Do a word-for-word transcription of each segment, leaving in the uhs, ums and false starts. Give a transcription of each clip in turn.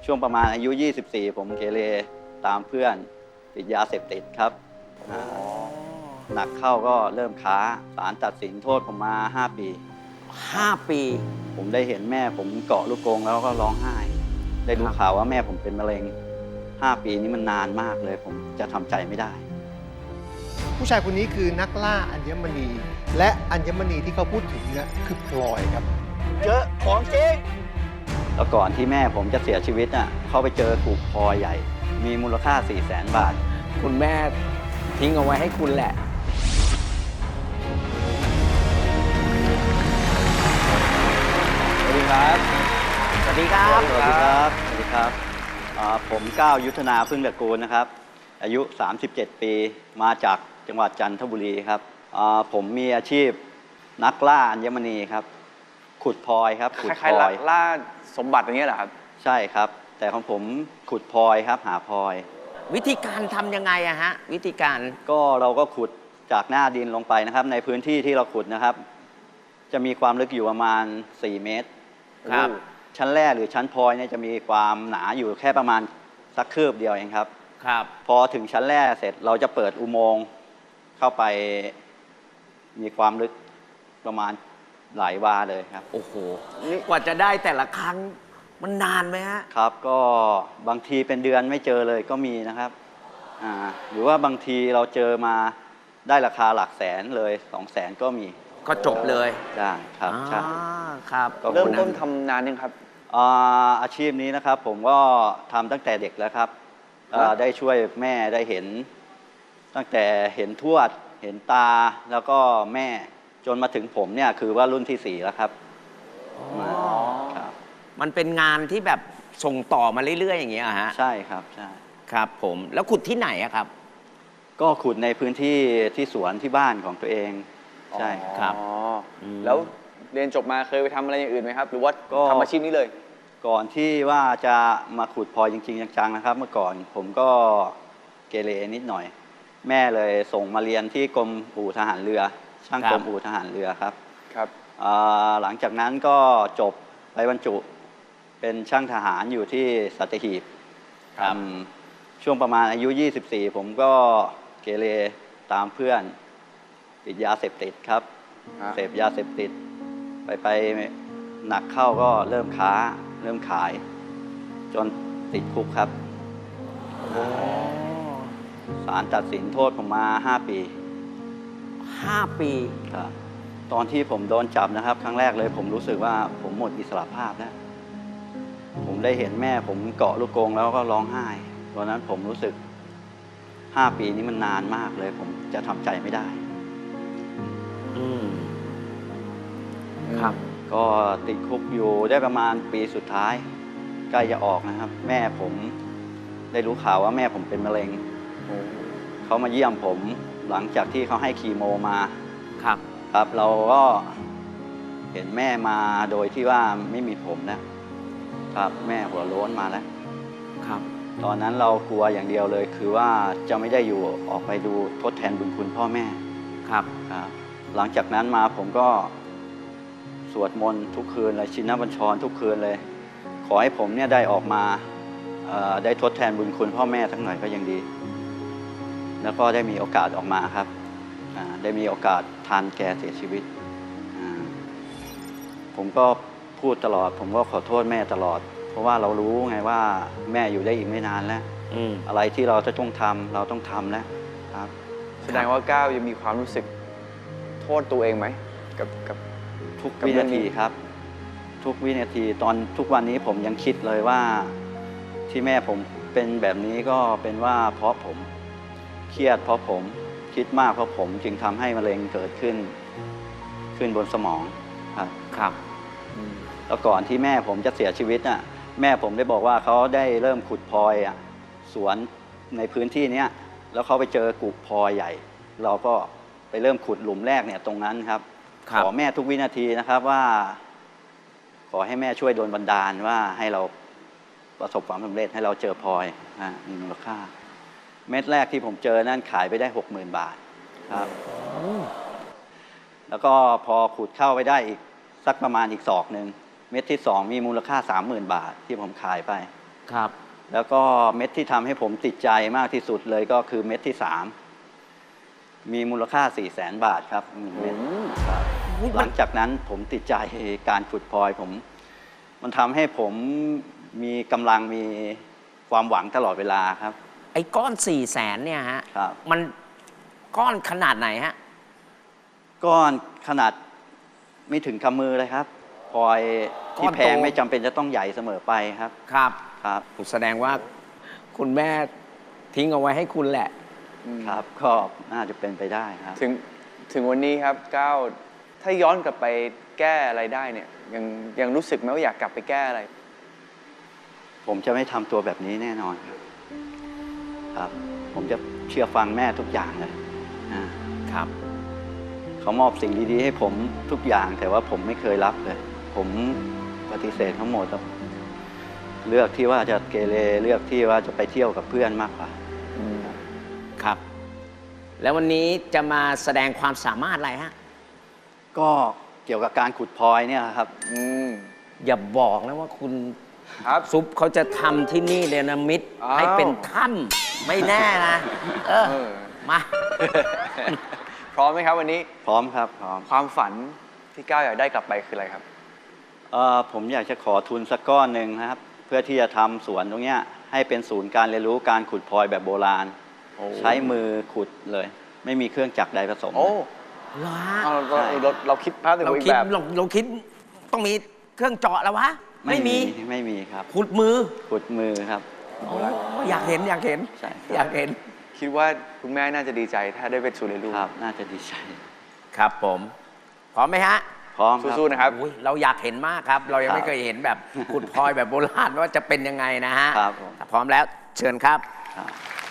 ช่วงประมาณอายุ ยี่สิบสี่ ผมเกเรตามเพื่อนติดยาเสพติดครับหนักเข้าก็เริ่มค้าศาลตัดสินโทษผมมา ห้า ปีห้า ปีผมได้เห็นแม่ผมเกาะลูกกรงแล้วก็ร้องไห้ ได้รู้ข่าวว่าแม่ผมเป็นมะเร็ง ห้า ปีนี้มันนานมากเลย ผมจะทำใจไม่ได้ผู้ชายคนนี้คือนักล่าอัญมณี และอัญมณีที่เขาพูดถึงเนี่ยคือพลอยครับเจอของจริงแล้วก่อนที่แม่ผมจะเสียชีวิตน่ะเขาไปเจอถูกพลอยใหญ่ มีมูลค่า สี่แสน บาทคุณแม่ทิ้งเอาไว้ให้คุณแหละสวัสดีครับสวัสดีครับสวัสดีครับ สวัสดีครับอ่าผมก้าวยุทธนาพึ่งตระกูลนะครับ อายุ สามสิบเจ็ด ปี มาจากจังหวัดจันทบุรีครับอ่าผมมีอาชีพนักล่าอัญมณีครับ ขุดพลอยครับ ขุดคพล้ายลๆอยล่าสมบัติอย่างเงี้ยเหรอครับใช่ครับ แต่ของผมขุดพลอยครับ หาพลอยวิธีการทำยังไงอะฮะ วิธีการก็เราก็ขุดจากหน้าดินลงไปนะครับ ในพื้นที่ที่เราขุดนะครับ จะมีความลึกอยู่ประมาณ สี่ เมตรครับชั้นแรกหรือชั้นพลอยเนี่ยจะมีความหนาอยู่แค่ประมาณสักคืบเดียวเองครับครับพอถึงชั้นแรกเสร็จเราจะเปิดอุโมงค์เข้าไปมีความลึกประมาณหลายวาเลยครับโอ้โห กว่าจะได้แต่ละครั้งมันนานไหมฮะครับก็บางทีเป็นเดือนไม่เจอเลยก็มีนะครับอ่าหรือว่าบางทีเราเจอมาได้ราคาหลักแสนเลยสองแสนก็มีก็จบเลยได้ครับใช่อ่าครับก็เริ่มคนนั้นต้นทำนานยังครับอ่าอาชีพนี้นะครับผมก็ทำตั้งแต่เด็กแล้วครับอ่าได้ช่วยแม่ได้เห็น ตั้งแต่เห็นทวดเห็นตาแล้วก็แม่จนมาถึงผมเนี่ยคือว่ารุ่นที่สี่แล้วครับมาครับมันเป็นงานที่แบบส่งต่อมาเรื่อย ๆ อย่างเงี้ยเหรอฮะใช่ครับใช่ครับผม แล้วขุดที่ไหนอะครับก็ขุดในพื้นที่ที่สวนที่บ้านของตัวเองใช่ครับอ๋ออมแล้วเรียนจบมาเคยไปทำอะไรอย่างอื่นไหมครับ หรือว่าก็ทำอาชีพนี้เลยก่อนที่ว่าจะมาขุดพลอยจริงๆจังๆนะครับ เมื่อก่อนผมก็เกเรนิดหน่อย แม่เลยส่งมาเรียนที่กรมอู่ทหารเรือ ช่างครับกรมอู่ทหารเรือครับครับอ่าหลังจากนั้นก็จบไปบรรจุเป็นช่างทหารอยู่ที่สัตหีบครับอืมช่วงประมาณอายุ ยี่สิบสี่ ผมก็เกเรตามเพื่อนติดยาเสพติดครับฮะเสพยาเสพติด ไปไปหนักเข้าก็เริ่มค้า เริ่มขาย จนติดคุกครับศาลตัดสินโทษผมมา ห้า ปีห้า ปีครับตอนที่ผมโดนจับนะครับ ครั้งแรกเลยผมรู้สึกว่าผมหมดอิสรภาพแล้ว ผมได้เห็นแม่ผมเกาะลูกกรงแล้วก็ร้องไห้ตอนนั้นผมรู้สึก ห้า ปีนี้มันนานมากเลย ผมจะทำใจไม่ได้อืม ครับก็ติดคุกอยู่ได้ประมาณปีสุดท้ายใกล้จะออกนะครับ แม่ผมได้รู้ข่าวว่าแม่ผมเป็นมะเร็งเขามาเยี่ยมผมหลังจากที่เขาให้คีโมมาครับครับเราก็เห็นแม่มาโดยที่ว่าไม่มีผมนะครับแม่หัวโล้นมาแล้วครับตอนนั้นเรากลัวอย่างเดียวเลย คือว่าจะไม่ได้อยู่ออกไปดูทดแทนบุญคุณพ่อแม่ครับครับหลังจากนั้นมาผมก็สวดมนต์ทุกคืนเลยชินบัญชรทุกคืนเลย ขอให้ผมเนี่ยได้ออกมาเอ่อได้ทดแทนบุญคุณพ่อแม่สักหน่อยก็ยังดี แล้วก็ได้มีโอกาสออกมาครับอ่าได้มีโอกาสทานแกเสียชีวิตอ่าผมก็พูดตลอด ผมก็ขอโทษแม่ตลอด เพราะว่าเรารู้ไงว่าแม่อยู่ได้อีกไม่นานแล้วอืมอะไรที่เราจะต้องทำเราต้องทำแล้วครับแสดงว่าก้าวยังมีความรู้สึกโทษตัวเองไหมกับกับทุกกับวิเรื่นาองนี้ทีครับ ทุกวินาทีตอนทุกวันนี้ผมยังคิดเลยว่า ที่แม่ผมเป็นแบบนี้ก็เป็นว่าเพราะผมเครียดเพราะผมคิดมากเพราะผมจึงทำให้มะเร็งเกิดขึ้น ขึ้นบนสมองครับครับแล้วก่อนที่แม่ผมจะเสียชีวิตน่ะแม่ผมได้บอกว่าเขาได้เริ่มขุดพลอยอ่ะสวนในพื้นที่เนี้ยแล้วเขาไปเจอกุพลอยใหญ่ เราก็ไปเริ่มขุดหลุมแรกเนี่ยตรงนั้นครับครับขอแม่ทุกวินาทีนะครับว่า ขอให้แม่ช่วยโดนบันดาลว่าให้เราประสบความสำเร็จให้เราเจอพลอยอ่ะมีมูลค่า เม็ดแรกที่ผมเจอนั่นขายไปได้หกหมื่นบาทครับแล้วก็พอขุดเข้าไปได้อีกสักประมาณอีกศอกหนึ่งเม็ดที่สองมีมูลค่าสามหมื่นบาทที่ผมขายไปครับแล้วก็เม็ดที่ทำให้ผมติดใจมากที่สุดเลยก็คือเม็ดที่สามมีมูลค่า สี่แสน บาทครับหนึ่งเม็ดครับหลังจากนั้นผมติดใจการขุดพลอยผม มันทำให้ผมมีกำลังมีความหวังตลอดเวลาครับไอ้ก้อนสี่แสนเนี่ยฮะครับมันก้อนขนาดไหนฮะก้อนขนาดไม่ถึงกำมือเลยครับพลอยที่ก้อนโตแพงไม่จำเป็นจะต้องใหญ่เสมอไปครับครับครับแสดงว่าคุณแม่ทิ้งเอาไว้ให้คุณแหละครับก็น่าจะเป็นไปได้ครับถึงถึงวันนี้ครับก้าวถ้าย้อนกลับไปแก้อะไรได้เนี่ยยังยังรู้สึกไหมว่าอยากกลับไปแก้อะไรผมจะไม่ทำตัวแบบนี้แน่นอนครับ ครับ ผมจะเชื่อฟังแม่ทุกอย่างเลยนะครับ เขามอบสิ่งดีๆให้ผมทุกอย่างแต่ว่าผมไม่เคยรับเลย ผมปฏิเสธทั้งหมดครับเลือกที่ว่าจะเกเรเลือกที่ว่าจะไปเที่ยวกับเพื่อนมากกว่าครับ แล้ววันนี้จะมาแสดงความสามารถอะไรฮะก็เกี่ยวกับการขุดพลอยเนี่ยครับอืมอย่าบอกนะว่าคุณครับซุปเขาจะทำที่นี่เนรมิตอ้าวให้เป็นถ้ำไม่แน่นะ เออเออมาพร้อมไหมครับวันนี้พร้อมครับพร้อมความฝันที่ก้าวอยากได้กลับไปคืออะไรครับเอ่อผมอยากจะขอทุนสักก้อนหนึ่งนะครับ เพื่อที่จะทำสวนตรงเนี้ยให้เป็นศูนย์การเรียนรู้การขุดพลอยแบบโบราณโอ้ใช้มือขุดเลย ไม่มีเครื่องจักรใดผสมโอ้เหรอเอาเราเราเราคิดภาพถึงเราอีกคิดแบบเราเราคิดต้องมีเครื่องเจาะแล้ววะ ไม่มีไม่มีครับขุดมือขุดมือครับโอ้อยากเห็นอยากเห็นใช่ครับอยากเห็นคิดว่าคุณแม่น่าจะดีใจถ้าได้เป็นศูนย์เรียนรู้ครับ น่าจะดีใจครับผม พร้อมไหมฮะพร้อมครับสู้ๆนะครับอุ๊ยเราอยากเห็นมากครับ เรายังครับไม่เคยเห็นแบบขุดพลอยแบบโบราณว่าจะเป็นยังไงนะฮะครับผมถ้าพร้อมแล้วเชิญครับครับ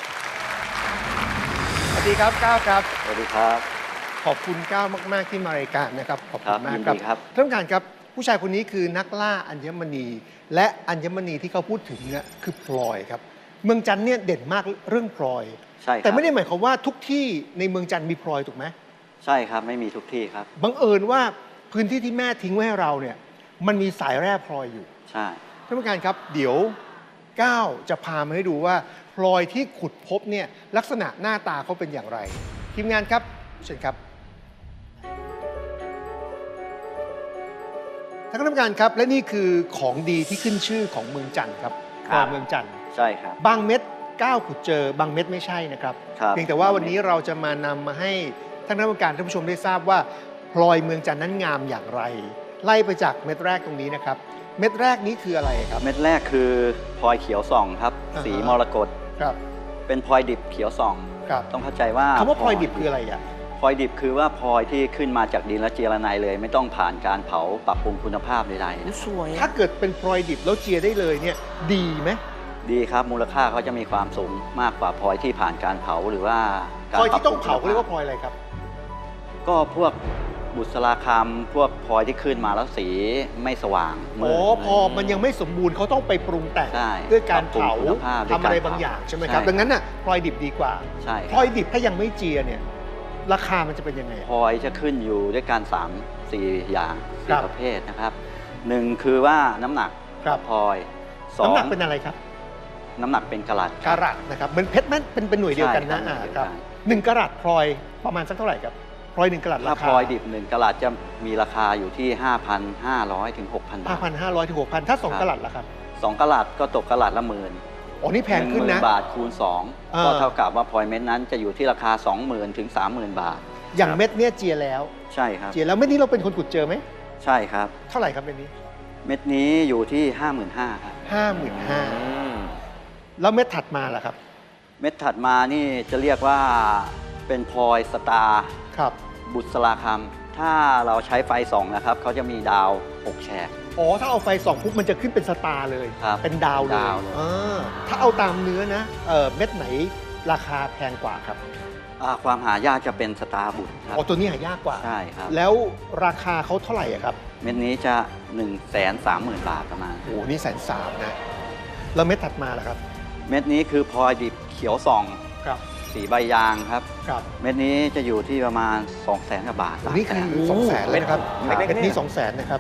สวัสดีครับก้าวครับสวัสดีครับขอบคุณก้าวมาก ๆ ที่มารายการนะครับ ขอบครัคุบณมากยินครับดีครับท่านผู้การครับ ผู้ชายคนนี้คือนักล่าอัญมณี และอัญมณีที่เขาพูดถึงเนี่ยคือพลอยครับ เมืองจันทร์เนี่ยเด่นมากเรื่องพลอยใช่ครับแต่ไม่ได้หมายความว่าทุกที่ในเมืองจันทร์มีพลอยถูกไหมใช่ครับ ไม่มีทุกที่ครับบังเอิญว่าพื้นที่ที่แม่ทิ้งไว้ให้เราเนี่ยมันมีสายแร่พลอยอยู่ใช่ท่านผู้การครับเดี๋ยวก้าวจะพามาให้ดูว่าพลอยที่ขุดพบเนี่ยลักษณะหน้าตาเขาเป็นอย่างไร ทีมงานครับเชิญครับท่านคณะกรรมการครับ และนี่คือของดีที่ขึ้นชื่อของเมืองจันทร์ครับพครัลอบ ยเมืองจันทร์ใช่ครับบางเม็ดก้าวขุดเจอบางเม็ดไม่ใช่นะครับครับเพียงแต่ว่าวันนี้เราจะมานำมาให้ท่านคณะกรรมการท่านผู้ชมได้ทราบว่าพลอยเมืองจันทร์นั้นงามอย่างไร ไล่ไปจากเม็ดแรกตรงนี้นะครับ เม็ดแรกนี้คืออะไรครับเม็ดแรกคือพลอยเขียวส่องครับอ่าฮะสีมรกตครับเป็นพลอยดิบเขียวส่องครับต้องเข้าใจว่าคำว่าพลอยดิบคืออะไรอ่ะพลอยดิบคือว่าพลอยที่ขึ้นมาจากดินและเจรไนเลย ไม่ต้องผ่านการเผาปรับปรุงคุณภาพใดๆนะสวยถ้าเกิดเป็นพลอยดิบแล้วเจียได้เลยเนี่ยดีไหมดีครับมูลค่าเขาจะมีความสูงมากกว่าพลอยที่ผ่านการเผาหรือว่าพการลอยปรับที่ต้องปรุเผาเขาเรียกว่าคุณพลอยอะไรครับก็พวกบุษราคำพวกพลอยที่ขึ้นมาแล้วสีไม่สว่างมืโอ้ดพอมันยังไม่สมบูรณ์เขาต้องไปปรุงแต่งใช่ด้วยการเผาปรับปรุงคุณภาพด้วยทำอะไรการเผาบางอย่างใช่ไหมครับใช่ดังนั้นน่ะพลอยดิบดีกว่าใช่พคลรัอบ ยดิบถ้ายังไม่เจียเนี่ยราคามันจะเป็นยังไงพลอยจะขึ้นอยู่ด้วยการสามสี่อย่างครัสี่บประเภทนะครับหนึ่งคือว่าน้ำหนักครับพลอยสองน้ำหนักเป็นอะไรครับน้ำหนักเป็นกะลัดคกะรับรัตนะครับเหมือนเพชรมันเป็นเป็นหน่วยเดียวกันนะใช่ครับอ่าหน่วยเดียวคกัรับนหนึ่งกะรัตพลอยประมาณสักเท่าไหร่ครับพลอยหนึ่งกะรัตถ้าราพคาลอยดิบหนึ่งกะลัดจะมีราคาอยู่ที่ ห้าพันห้าร้อย ถึง หกพัน บาห้าทพันห้าร้อยถึงหกพันถ้าสองครับกะรัตล่ะครับสองกะลัดก็ตกกะลัดละหมื่นอ๋อนี่แพงขึ้นหนะมื่บาทคูณสองเออก็เท่ากับว่าพลอยเม็ดนั้นจะอยู่ที่ราคา สองหมื่น ถึง สามหมื่น บาทอย่างเม็ดเนี่ยเจียแล้วใช่ครับเจียแล้วเม็ดนี้เราเป็นคนขุดเจอไหมใช่ครับเท่าไหร่ครับเม็ดนี้เม็ดนี้อยู่ที่ ห้าหมื่นห้าพัน ครับห้าหมื่นห้าอืมแล้วเม็ดถัดมาล่ะครับเม็ดถัดมานี่จะเรียกว่าเป็นพลอยสตาร์ครับบุษราคำถ้าเราใช้ไฟส่องนะครับเขาจะมีดาวหกแฉกอ๋อถ้าเอาไฟส่องปุ๊บมันจะขึ้นเป็นสตาร์เลยครับเป็นดาวเลยดาวเลยอ่าถ้าเอาตามเนื้อนะเอ่อเม็ดไหนราคาแพงกว่าครับอ่าความหายากจะเป็นสตาร์บุตรครับอ๋อตัวนี้หายากกว่าใช่ครับแล้วราคาเขาเท่าไหร่อะครับเม็ดนี้จะ หนึ่งแสนสามหมื่น บาทประมาณโอ้โหนี่แสนสามนะแล้วเม็ดถัดมาล่ะครับเม็ดนี้คือพลอยดิบเขียวส่องครับสีใบยางครับครับเม็ดนี้จะอยู่ที่ประมาณ 2 0 0แสนกว่าบาทโอ้นี่คือโอ้โหสองแสนเลยนะครับเม็ดเล็กๆเม็ดนี้เนี่ยสองแสนนะครับ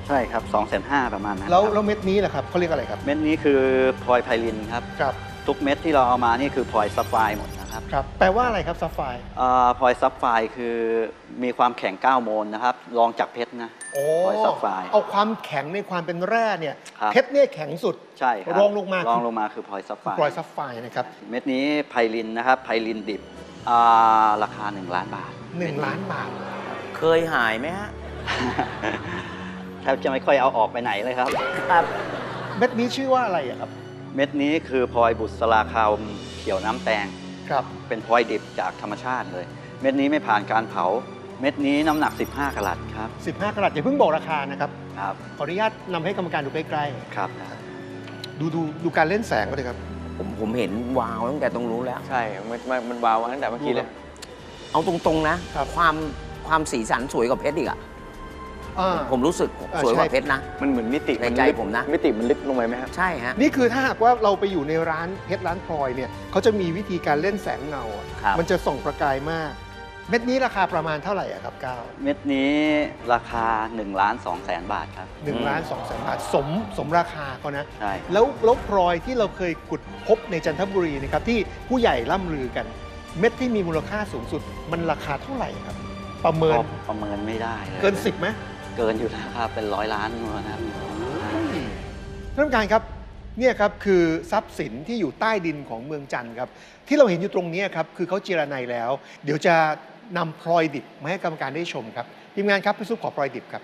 ใช่ครับสองแสนห้าประมาณนั้นแล้วครับแล้วเม็ดนี้แหละครับเขาเรียกอะไรครับเม็ดนี้คือพลอยไพลินครับครับทุกเม็ดที่เราเอามานี่คือพลอยซัฟไฟร์หมดนะครับครับ แปลว่าอะไรครับซัฟไฟร์อ่าพลอยซัฟไฟร์คือมีความแข็งเก้าโมลนะครับรองจากเพชรนะโอ้พลอยซัฟไฟร์เอาความแข็งในความเป็นแร่เนี่ยครับเพชรเนี่ยแข็งสุดใช่ครับรองลงมารองลงมาคือพลอยซัฟไฟร์พลอยซัฟไฟร์นะครับเม็ดนี้ไพลินนะครับไพลินดิบอ่าราคา หนึ่ง ล้านบาทหนึ่งล้านบาทเคยหายไหมฮะแทบจะไม่ค่อยเอาออกไปไหนเลยครับครับเม็ดนี้ชื่อว่าอะไรอะครับเม็ดนี้คือพลอยบุษราคาวเขียวน้ำแตงครับเป็นพลอยดิบจากธรรมชาติเลย เม็ดนี้ไม่ผ่านการเผา เม็ดนี้น้ำหนัก สิบห้ากะรัตครับสิบห้ากะรัตอย่าเพิ่งบอกราคานะครับครับขออนุญาตนำให้กรรมการดูใกล้ครับๆ ดูดูดูการเล่นแสงก็เลยครับผมผมเห็นวาวตั้งแต่ตรงนู้นแล้วใช่ มันมันมันวาวมาตั้งแต่เมื่อกี้เลยเอาตรงๆนะครับความความสีสันสวยกว่าเพชรอีกอะอ่าผมรู้สึกอ่าสวยกว่าใช่เพชรนะมันเหมือนมิติในใจลึกผมนะมิติมันลึกลงไปไหมครับใช่ฮะนี่คือถ้าหากว่าเราไปอยู่ในร้านเพชรร้านพลอยเนี่ยเขาจะมีวิธีการเล่นแสงเงาอะครับมันจะส่องประกายมาก เม็ดนี้ราคาประมาณเท่าไหร่อะครับก้าวเม็ดนี้ราคา1ล้าน2แสนบาทครับหนึ่งล้านสองแสนบาทสมสมราคาเขานะใช่แล้วแล้วพลอยที่เราเคยขุดพบในจันทบุรีนะครับที่ผู้ใหญ่ล่ำลือกัน เม็ดที่มีมูลค่าสูงสุดมันราคาเท่าไหร่ครับ ประเมินก็ประเมินไม่ได้เลยเกินสิบไหมเกินอยู่แล้วครับเป็นร้อยล้านนะครับท่านผู้การครับเนี่ยครับคือทรัพย์สินที่อยู่ใต้ดินของเมืองจันทร์ครับที่เราเห็นอยู่ตรงนี้ครับคือเขาเจรไนแล้ว เดี๋ยวจะนำพลอยดิบมาให้กรรมการได้ชมครับทีมงานครับพี่ซุปขอพลอยดิบครับ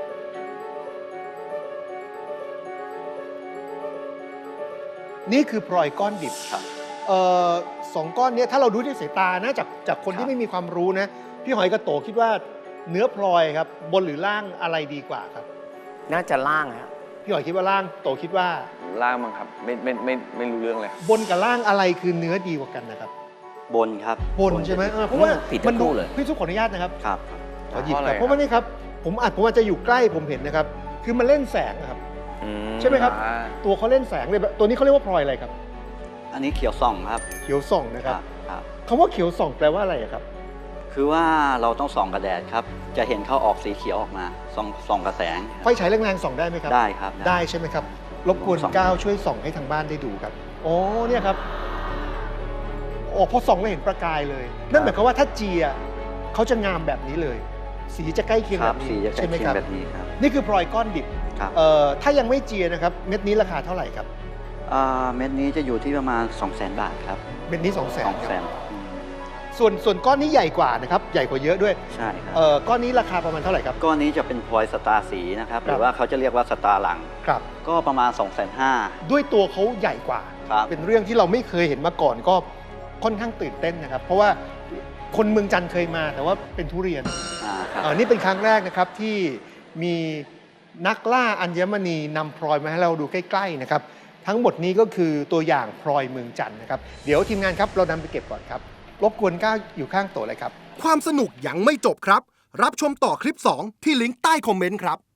นี่คือพลอยก้อนดิบครับเอ่อสองก้อนเนี้ถ้าเราดูด้วยสายตานะจากจากคนครัที่บไม่มีความรู้นะพี่หอยกับโตคิดว่าเนื้อพลอยครับบนหรือล่างอะไรดีกว่าครับน่าจะล่างฮะพี่หอยคิดว่าล่างโตคิดว่าล่างมั้งครับ ไม่ไม่ไม่ไม่รู้เรื่องเลยบนกับล่างอะไรคือเนื้อดีกว่ากันนะครับบนครับบนใช่ไหมเออเพราะว่าผิดทั้มันงดูคู่เลยพี่ซุปขออนุญาตนะครับครับขอหยิบเพราะอะไรครับเพราะว่านี่ครับผมอาจผมอาจจะอยู่ใกล้ผมเห็นนะครับ คือมันเล่นแสงนะครับอืใช่ไหมครับอ่าตัวเขาเล่นแสงเลยแบบตัวนี้เขาเรียกว่าพลอยอะไรครับอันนี้เขียวส่องครับเขียวส่องนะครับครับคำว่าเขียวส่องแปลว่าอะไรอะครับคือว่าเราต้องส่องกระแดดครับ จะเห็นเขาออกสีเขียวออกมา ส่องส่องกระแสงไฟฉายแรงๆส่องได้ไหมครับได้ครับได้ใช่ไหมครับ รบกวนส่องก้าวช่วยส่องให้ทางบ้านได้ดูครับโอ้เนี่ยครับโอ้พอส่องแล้วเห็นประกายเลย นั่นหมายความว่าถ้าเจียเขาจะงามแบบนี้เลย สีจะใกล้เคียงคแบรับบนี้สีจะใกล้ใช่ไหมเคียครังบแบบนี้ครับนี่คือพลอยก้อนดิบครับเอ่อถ้ายังไม่เจียนะครับ เม็ดนี้ราคาเท่าไหร่ครับอ่าเม็ดนี้จะอยู่ที่ประมาณ 2 0 0 0 0 0 บาทครับเม็ดนี้สองแสนสองแสนส่วนส่วนก้อนนี้ใหญ่กว่านะครับ ใหญ่กว่าเยอะด้วยใช่ครับเอ่อก้อนนี้ราคาประมาณเท่าไหร่ครับก้อนนี้จะเป็นพลอยสตาร์สีนะครับครับหรือว่าเขาจะเรียกว่าสตาร์หลังครับก็ประมาณ 2 5 0 0 0 ด้วยตัวเขาใหญ่กว่าครับเป็นเรื่องที่เราไม่เคยเห็นมาก่อนก็ค่อนข้างตื่นเต้นนะครับ เพราะว่าคนเมืองจันทร์เคยมาแต่ว่าเป็นทุเรียนอ่าครับเอ่อนี่เป็นครั้งแรกนะครับที่มีนักล่าอัญมณีนำพลอยมาให้เราดูใกล้ๆนะครับ ทั้งหมดนี้ก็คือตัวอย่างพลอยเมืองจันทร์นะครับ เดี๋ยวทีมงานครับเรานำไปเก็บก่อนครับ รบกวนก้าวอยู่ข้างโต๊ะเลยครับความสนุกยังไม่จบครับ รับชมต่อคลิป สอง ที่ลิงก์ใต้คอมเมนต์ครับ